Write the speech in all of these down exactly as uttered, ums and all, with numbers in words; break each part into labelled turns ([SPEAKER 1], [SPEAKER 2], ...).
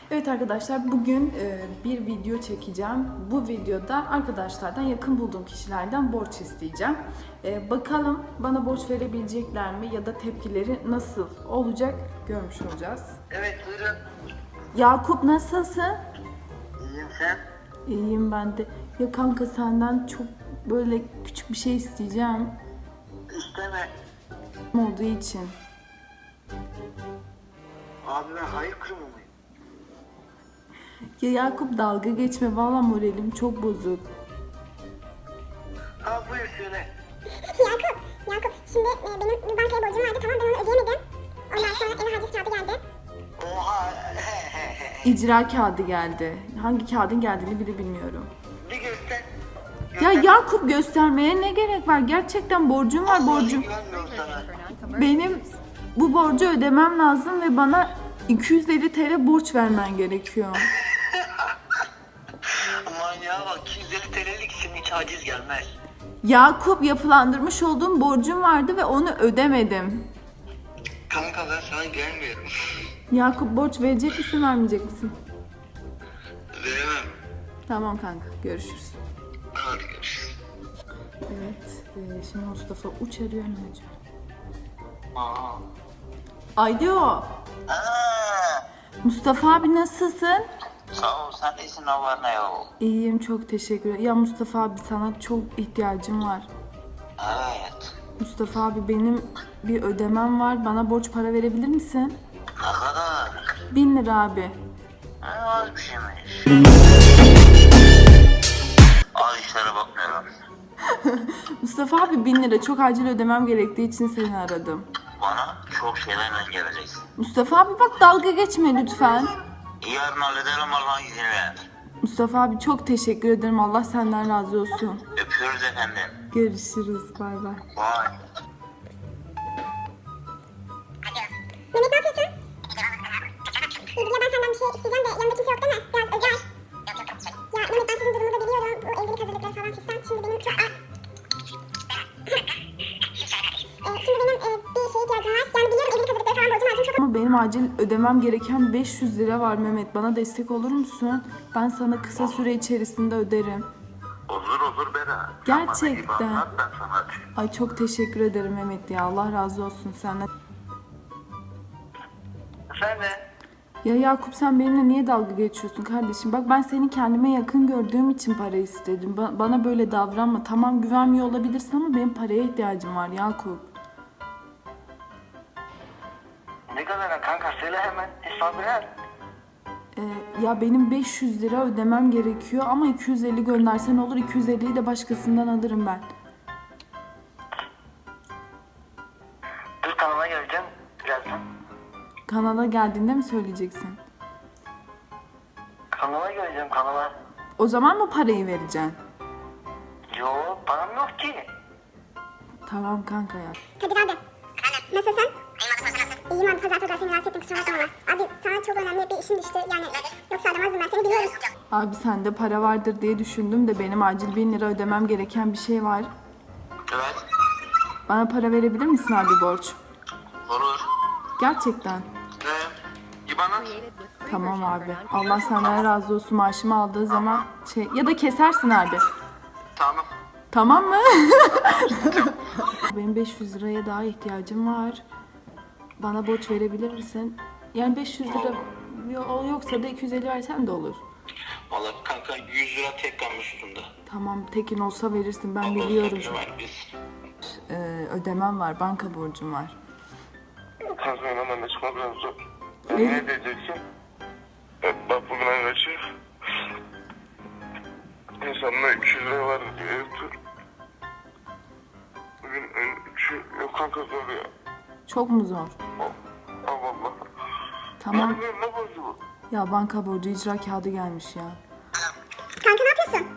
[SPEAKER 1] Evet arkadaşlar, bugün e, bir video çekeceğim. Bu videoda arkadaşlardan, yakın bulduğum kişilerden borç isteyeceğim. E, bakalım bana borç verebilecekler mi ya da tepkileri nasıl olacak görmüş olacağız.
[SPEAKER 2] Evet, buyurun.
[SPEAKER 1] Yakup, nasılsın?
[SPEAKER 2] İyiyim, sen?
[SPEAKER 1] İyiyim ben de. Ya kanka, senden çok böyle küçük bir şey isteyeceğim.
[SPEAKER 2] İsteme.
[SPEAKER 1] Olduğu için.
[SPEAKER 2] Abi ben hayır kurumu muyum?
[SPEAKER 1] Ya Yakup, dalga geçme, valla moralim çok bozuk.
[SPEAKER 2] Ha, buyur söyle.
[SPEAKER 3] Yakup, Yakup. Şimdi e, benim bir bankaya borcum vardı, tamam, ben onu ödeyemedim. Ondan sonra eve haciz kağıdı geldi.
[SPEAKER 2] Oha.
[SPEAKER 1] İcra kağıdı geldi. Hangi kağıdın geldiğini bile bilmiyorum.
[SPEAKER 2] Bir göster.
[SPEAKER 1] Ya Yakup, göstermeye ne gerek var? Gerçekten borcum var, borcum.
[SPEAKER 2] Güvenmiyorum sana.
[SPEAKER 1] Benim bu borcu ödemem lazım ve bana iki yüz elli TL borç vermen gerekiyor.
[SPEAKER 2] Manyağa bak, iki yüz elli TL'lik için hiç haciz gelmez.
[SPEAKER 1] Yakup, yapılandırmış olduğum borcum vardı ve onu ödemedim.
[SPEAKER 2] Kanka ben sana gelmiyorum.
[SPEAKER 1] Yakup, borç verecek misin, vermeyecek misin?
[SPEAKER 2] Veremem.
[SPEAKER 1] Tamam kanka, görüşürüz.
[SPEAKER 2] Hadi görüşürüz.
[SPEAKER 1] Evet, e, şimdi Mustafa Uç arıyor, ne acaba?
[SPEAKER 2] Aa.
[SPEAKER 1] Alo,
[SPEAKER 2] Aa.
[SPEAKER 1] Mustafa abi, nasılsın?
[SPEAKER 2] Sağ ol, sen iyisin, ne var ne yok.
[SPEAKER 1] İyiyim, çok teşekkür ederim. Ya Mustafa abi, sana çok ihtiyacım var.
[SPEAKER 2] Evet.
[SPEAKER 1] Mustafa abi, benim bir ödemem var. Bana borç para verebilir misin?
[SPEAKER 2] Ne kadar?
[SPEAKER 1] Bin lira abi.
[SPEAKER 2] Ne az bir şeymiş. Az işlere bakmıyorum.
[SPEAKER 1] Mustafa abi, bin lira. Çok acil ödemem gerektiği için seni aradım.
[SPEAKER 2] Bana çok şeylerle geleceksin.
[SPEAKER 1] Mustafa abi bak, dalga geçme lütfen.
[SPEAKER 2] Yarın hallederim, Allah'ın izniyle.
[SPEAKER 1] Mustafa abi, çok teşekkür ederim. Allah senden razı olsun.
[SPEAKER 2] Öpüyoruz efendim.
[SPEAKER 1] Görüşürüz. Bay bay.
[SPEAKER 2] Bye.
[SPEAKER 3] Mehmet, ne yapıyorsun? İyi, ya ben senden bir şey isteyeceğim de yanında kimse yok değil mi? Biraz özel. Ya Mehmet, ben sizin durumu da biliyorum. Bu evlilik hazırlıkları falan fistan. Şimdi benim çok... Aa. Ee, şimdi benim e, bir şeye ihtiyacım var. Yani biliyorum, evlilik hazırlıkları falan borcum var. Çok...
[SPEAKER 1] Ama benim acil ödemem gereken beş yüz lira var Mehmet. Bana destek olur musun? Ben sana kısa süre içerisinde öderim.
[SPEAKER 2] Olur olur Bera.
[SPEAKER 1] Gerçekten.
[SPEAKER 2] Sen bana iyi bak, ben sana açayım.
[SPEAKER 1] Ay, çok teşekkür ederim Mehmet ya. Allah razı olsun senden.
[SPEAKER 2] Sen de.
[SPEAKER 1] Ya Yakup, sen benimle niye dalga geçiyorsun kardeşim? Bak, ben seni kendime yakın gördüğüm için para istedim. Ba- bana böyle davranma. Tamam, güvenmiyor olabilirsin ama benim paraya ihtiyacım var Yakup.
[SPEAKER 2] Ne kadar kanka, söyle hemen. Hesabı ver.
[SPEAKER 1] Ee, ya benim beş yüz lira ödemem gerekiyor ama iki yüz elli göndersen olur. iki yüz elliyi de başkasından alırım ben.
[SPEAKER 2] Dur, kanala geleceğim birazdan.
[SPEAKER 1] Kanala geldiğinde mi söyleyeceksin?
[SPEAKER 2] Kanala geleceğim, kanala.
[SPEAKER 1] O zaman mı parayı vereceksin?
[SPEAKER 2] Yo, param yok ki.
[SPEAKER 1] Tamam kanka ya.
[SPEAKER 3] Kadir abi. Nasılsın? İyiyim abi, pazar pazar seni rahatsız ettim, kusura bakma ama. Abi sana çok önemli bir işim düştü yani. Yoksa aramazdım, ben seni biliyorum.
[SPEAKER 1] Abi, sende para vardır diye düşündüm de benim acil bin lira ödemem gereken bir şey var.
[SPEAKER 2] Evet.
[SPEAKER 1] Bana para verebilir misin abi, borç?
[SPEAKER 2] Olur.
[SPEAKER 1] Gerçekten.
[SPEAKER 2] Ne? İban at.
[SPEAKER 1] Tamam abi. Allah senden razı olsun, maaşımı aldığı zaman şey ya da kesersin abi.
[SPEAKER 2] Tamam.
[SPEAKER 1] Tamam mı? Benim beş yüz liraya daha ihtiyacım var. Bana borç verebilir misin? Yani beş yüz lira yo- yoksa da iki yüz elli versen de olur.
[SPEAKER 2] Valla kanka, yüz lira tek kalmış üstümde.
[SPEAKER 1] Tamam, tekin olsa verirsin, ben biliyorum.
[SPEAKER 2] Biz.
[SPEAKER 1] Ee, ödemem var, banka borcum var.
[SPEAKER 4] Kanka hemen de çıkmak biraz zor.
[SPEAKER 1] Ne?
[SPEAKER 4] Ne diyeceksin? Evet, bak bugün ayın kaçı? İnsanla iki yüz lira var diyor. Evet dur. Bugün en üçü yok kanka, zor ya.
[SPEAKER 1] Çok mu zor?
[SPEAKER 4] Allah Allah.
[SPEAKER 1] Tamam.
[SPEAKER 4] Ne, ne borcu bu?
[SPEAKER 1] Ya banka borcu, icra kağıdı gelmiş ya.
[SPEAKER 3] Kanka ne yapıyorsun?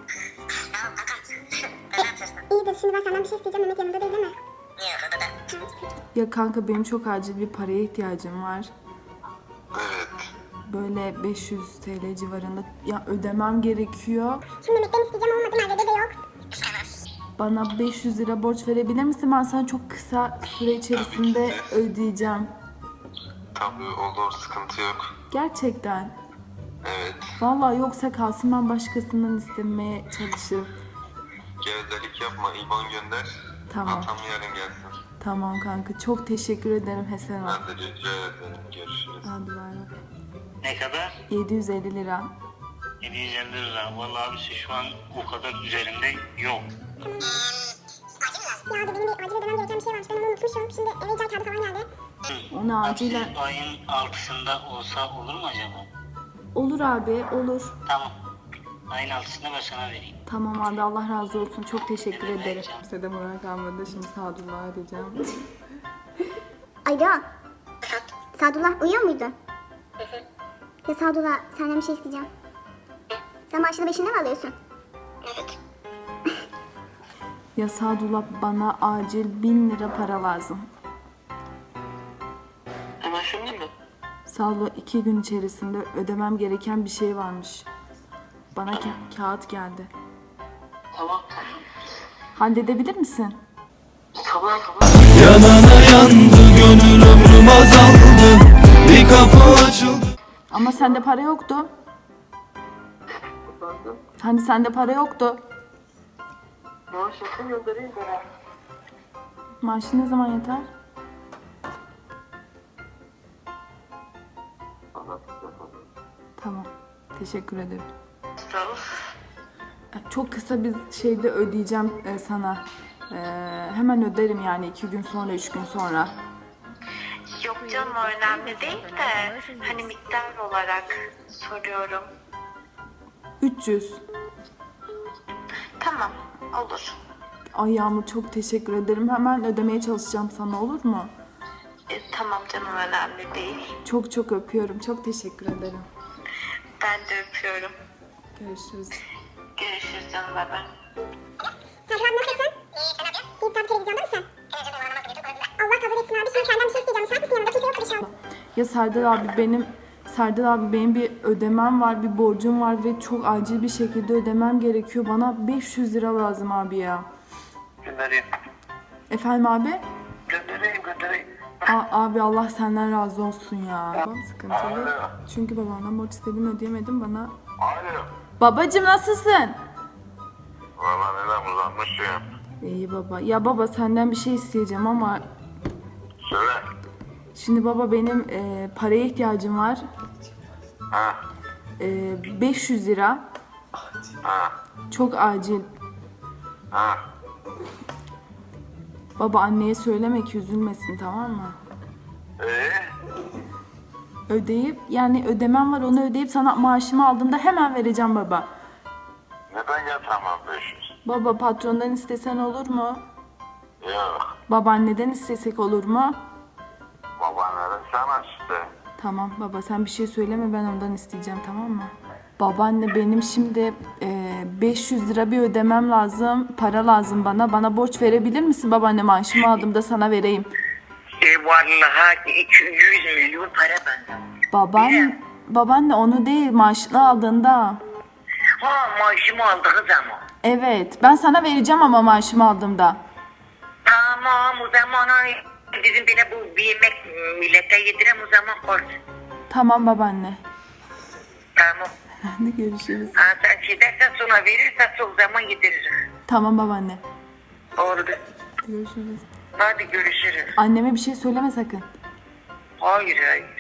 [SPEAKER 3] E, iyidir, şimdi ben senden bir şey isteyeceğim. Mehmet yanında değil değil mi?
[SPEAKER 1] Ya kanka, benim çok acil bir paraya ihtiyacım var.
[SPEAKER 4] Evet.
[SPEAKER 1] Böyle beş yüz TL civarında ya ödemem gerekiyor.
[SPEAKER 3] Şimdi Mehmet'ten isteyeceğim, olmadı, Merve'de de yok.
[SPEAKER 1] Bana beş yüz lira borç verebilir misin? Ben sana çok kısa süre içerisinde ödeyeceğim.
[SPEAKER 4] Tabii olur, sıkıntı yok.
[SPEAKER 1] Gerçekten.
[SPEAKER 4] Evet.
[SPEAKER 1] Vallahi yoksa kalsın, ben başkasından istemeye çalışırım.
[SPEAKER 4] Gevezelik yapma. İban gönder.
[SPEAKER 1] Tamam.
[SPEAKER 4] Atam yarın gelsin.
[SPEAKER 1] Tamam kanka, çok teşekkür ederim Hasan abi.
[SPEAKER 4] Ben de rica ederim. Görüşürüz.
[SPEAKER 1] Hadi bay bay.
[SPEAKER 5] Ne kadar?
[SPEAKER 1] yedi yüz elli lira.
[SPEAKER 5] yedi yüz elli lira. Vallahi abisi şu an o kadar üzerimde yok.
[SPEAKER 3] Ya abi benim bir acil ödemem gereken bir şey varmış. Ben onu unutmuşum. Şimdi eve icra kağıdı falan geldi.
[SPEAKER 1] Onu acilen...
[SPEAKER 5] Abisi ayın altısında olsa olur mu acaba?
[SPEAKER 1] Olur abi, olur.
[SPEAKER 5] Tamam. Ayın altısında ben sana vereyim.
[SPEAKER 1] Tamam abi, Allah razı olsun. Çok teşekkür ederim. Size de Murat kalmadı. Şimdi Sadullah'ı arayacağım.
[SPEAKER 3] Alo. Sadullah uyuyor muydun? Ya Sadullah senden bir şey isteyeceğim. Sen maaşını beşinde mi alıyorsun? Evet.
[SPEAKER 1] Ya Sadullah, bana acil bin lira para lazım.
[SPEAKER 2] Hemen şimdi mi?
[SPEAKER 1] Sadullah, iki gün içerisinde ödemem gereken bir şey varmış. Bana ka- kağıt geldi.
[SPEAKER 2] Tamam.
[SPEAKER 1] Halledebilir misin?
[SPEAKER 2] Tamam tamam.
[SPEAKER 6] Yanana yandı gönül ömrüm azaldı. Bir kapı açıldı.
[SPEAKER 1] Ama sende para yoktu. Hani sende para yoktu.
[SPEAKER 2] Maaş yakın göndereyim ben.
[SPEAKER 1] Maaşı ne zaman yeter? Tamam. Teşekkür ederim.
[SPEAKER 2] Tamam.
[SPEAKER 1] Çok kısa bir şeyde ödeyeceğim e, sana. E, hemen öderim yani, iki gün sonra, üç gün sonra.
[SPEAKER 7] Yok canım, o önemli değil de hani miktar olarak soruyorum.
[SPEAKER 1] üç yüz.
[SPEAKER 7] Tamam, olur.
[SPEAKER 1] Ay Yağmur, çok teşekkür ederim. Hemen ödemeye çalışacağım sana, olur mu?
[SPEAKER 7] E, tamam canım, önemli değil.
[SPEAKER 1] Çok çok öpüyorum. Çok teşekkür ederim.
[SPEAKER 7] Ben de öpüyorum.
[SPEAKER 1] Görüşürüz.
[SPEAKER 7] Görüşürüz canım, bay bay.
[SPEAKER 3] Sadullah nasılsın? İyi, sen ne yapıyorsun? İyi, tabii televizyonda mısın? Allah kabul etsin abi. Şimdi senden bir şey isteyeceğim. Müsait misin? Yanında kimse yok inşallah.
[SPEAKER 1] Ya Serdar abi, benim Serdar abi benim bir ödemem var, bir borcum var ve çok acil bir şekilde ödemem gerekiyor. Bana beş yüz lira lazım abi ya.
[SPEAKER 2] Göndereyim.
[SPEAKER 1] Efendim abi?
[SPEAKER 2] Göndereyim göndereyim.
[SPEAKER 1] A- abi Allah senden razı olsun ya. Babam sıkıntılı.
[SPEAKER 4] Alo.
[SPEAKER 1] Çünkü babamdan borç istedim, ödeyemedim bana.
[SPEAKER 4] Alo.
[SPEAKER 1] Babacım nasılsın?
[SPEAKER 4] Valla neden uzanmışım?
[SPEAKER 1] İyi baba. Ya baba, senden bir şey isteyeceğim ama
[SPEAKER 4] Söyle.
[SPEAKER 1] şimdi baba, benim e, paraya ihtiyacım var.
[SPEAKER 4] Ha.
[SPEAKER 1] E, beş yüz lira.
[SPEAKER 4] Ha.
[SPEAKER 1] Çok acil.
[SPEAKER 4] Ha.
[SPEAKER 1] Baba, anneye söyleme ki üzülmesin, tamam mı?
[SPEAKER 4] Ee?
[SPEAKER 1] Ödeyip, yani ödemem var, onu ödeyip sana maaşımı aldığımda hemen vereceğim baba.
[SPEAKER 4] Neden yatamam beş yüz?
[SPEAKER 1] Baba, patrondan istesen olur mu?
[SPEAKER 4] Yok.
[SPEAKER 1] Babaanneden istesek olur mu?
[SPEAKER 4] Babaannenin sana işte.
[SPEAKER 1] Tamam baba, sen bir şey söyleme, ben ondan isteyeceğim, tamam mı? Babaanne, benim şimdi e, beş yüz lira bir ödemem lazım. Para lazım bana. Bana borç verebilir misin babaanne? Maaşımı aldığımda sana vereyim.
[SPEAKER 2] E vallahi iki yüz milyon para benden.
[SPEAKER 1] Babaanne, babaanne onu değil, maaşını aldığında.
[SPEAKER 2] Ha, maaşımı aldığı zaman.
[SPEAKER 1] Evet, ben sana vereceğim ama maaşımı aldığımda.
[SPEAKER 2] Tamam, o zaman hani bizim bile bu bir yemek millete yedirem, o zaman koy.
[SPEAKER 1] Tamam babaanne.
[SPEAKER 2] Tamam.
[SPEAKER 1] Hadi görüşürüz.
[SPEAKER 2] Ha, sen şey dersen sonra verirsen o zaman yediririz.
[SPEAKER 1] Tamam babaanne.
[SPEAKER 2] Oldu.
[SPEAKER 1] Görüşürüz.
[SPEAKER 2] Hadi görüşürüz.
[SPEAKER 1] Anneme bir şey söyleme sakın.
[SPEAKER 2] Hayır hayır.